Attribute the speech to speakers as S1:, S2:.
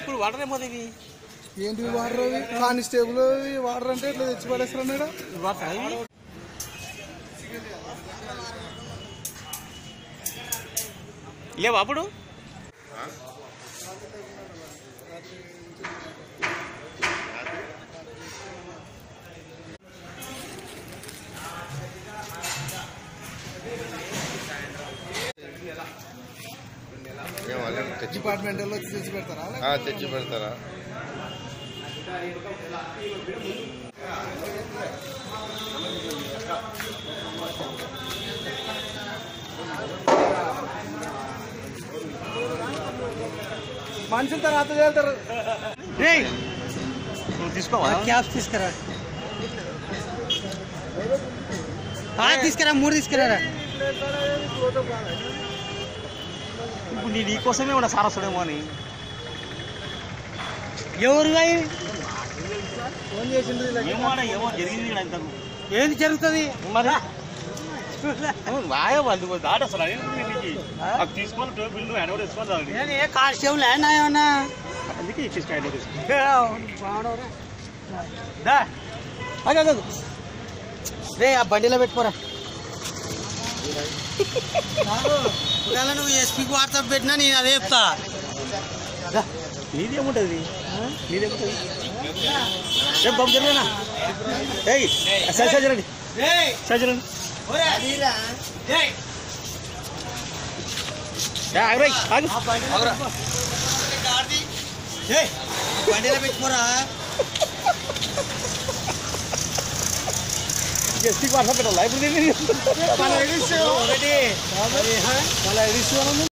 S1: ఇప్పుడు వాటర్ ఏమవుతుంది
S2: ఏంటి వాటర్ కానిస్టేబుల్ వాటర్ అంటే ఇట్లా తెచ్చి పడేస్తాడు
S1: లేవా అప్పుడు
S2: డిపార్ట్మెంటల్ వచ్చి తెచ్చి పెడతారా
S3: తెచ్చి పెడతారా
S2: మనుషులు తర్వాత వెళ్తారు
S1: తీసుకోవా
S2: క్యాబ్స్ తీసుకురా తీసుకురా 3 తీసుకురా
S1: ఇప్పుడు నీ కోసమే ఉన్నా సారసుడేమో అని
S2: ఎవరు
S1: ఫోన్ చేసిండ్రు ఏమో జరిగింది
S2: ఏంది జరుగుతుంది
S1: మరి బాగా వాళ్ళు దాట అసలు తీసుకొని బిల్లు హ్యాండ్ ఓవర్ తీసుకోవాలి
S2: కానిస్టేబుల్ ల్యాండ్ ఏమన్నా
S1: అందుకే ఇచ్చేసి హ్యాండ్ ఓవర్
S2: రే ఆ బండిలో పెట్టుకోరా నువ్వు ఎస్పీకి వాట్సాప్ పెట్టినా నేను అదే చెప్తా
S1: నీదేముంటుంది నీదేముంటుంది రేపు బాబు జరిగినా సరిచరండి సరిచరండి
S2: బండిలో పెట్టుకోరా
S1: ఎస్పీకి వాట్సాప్ పెట్టాలి ఇప్పుడు